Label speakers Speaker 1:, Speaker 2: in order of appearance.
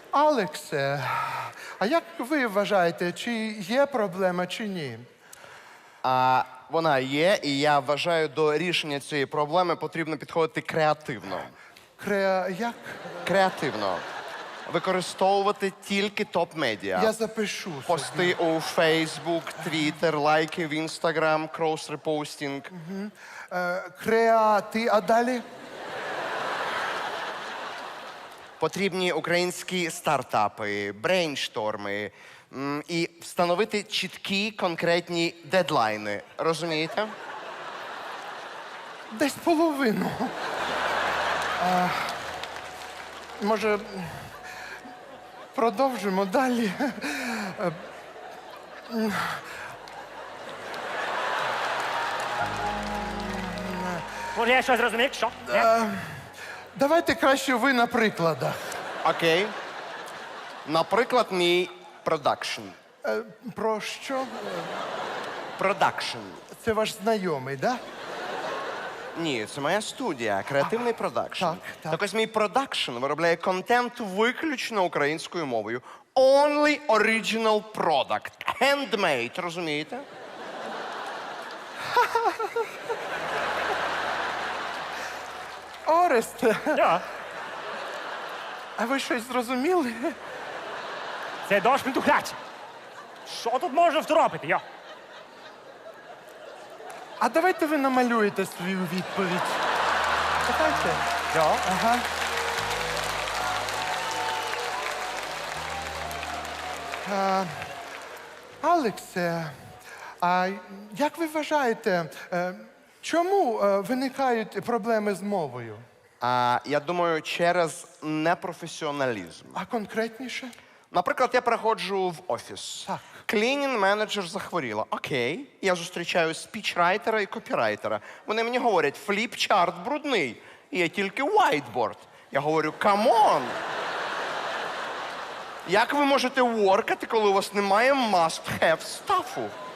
Speaker 1: Алексе, а як ви вважаєте, чи є проблема, чи ні?
Speaker 2: Вона є, і я вважаю, до рішення цієї проблеми потрібно підходити креативно.
Speaker 1: Як?
Speaker 2: Креативно. Використовувати тільки топ-медіа.
Speaker 1: Я запишу собі.
Speaker 2: Пости у Facebook, Twitter, лайки в Instagram, крос-репостінг.
Speaker 1: А далі?
Speaker 2: Потрібні українські стартапи, брейншторми і встановити чіткі конкретні дедлайни. Розумієте?
Speaker 1: Десь половину. Може, продовжимо далі?
Speaker 3: Може, я щось зрозумів? Що? Ні?
Speaker 1: Давайте краще ви на прикладах.
Speaker 2: Окей. Наприклад, мій продакшн.
Speaker 1: Про що?
Speaker 2: Продакшн.
Speaker 1: Це ваш знайомий, так? Да?
Speaker 2: Ні, це моя студія, креативний продакшн.
Speaker 1: так.
Speaker 2: Так ось мій продакшн виробляє контент виключно українською мовою. Only original product. Handmade, розумієте?
Speaker 1: Оресте,
Speaker 3: Да.
Speaker 1: а ви щось зрозуміли?
Speaker 3: Це дощ ментухляч. Що тут можна второпити? Йо.
Speaker 1: А давайте ви намалюєте свою відповідь. Давайте.
Speaker 3: Йо.
Speaker 1: Ага. Алексе, а як ви вважаєте, чому виникають проблеми з мовою?
Speaker 2: Я думаю, через непрофесіоналізм.
Speaker 1: А конкретніше?
Speaker 2: Наприклад, я приходжу в офіс.
Speaker 1: Так.
Speaker 2: Клінінг-менеджер захворіла. Окей. Я зустрічаю спічрайтера і копірайтера. Вони мені говорять, фліп-чарт брудний. І є тільки whiteboard. Я говорю, камон! Як ви можете воркати, коли у вас немає must-have стафу?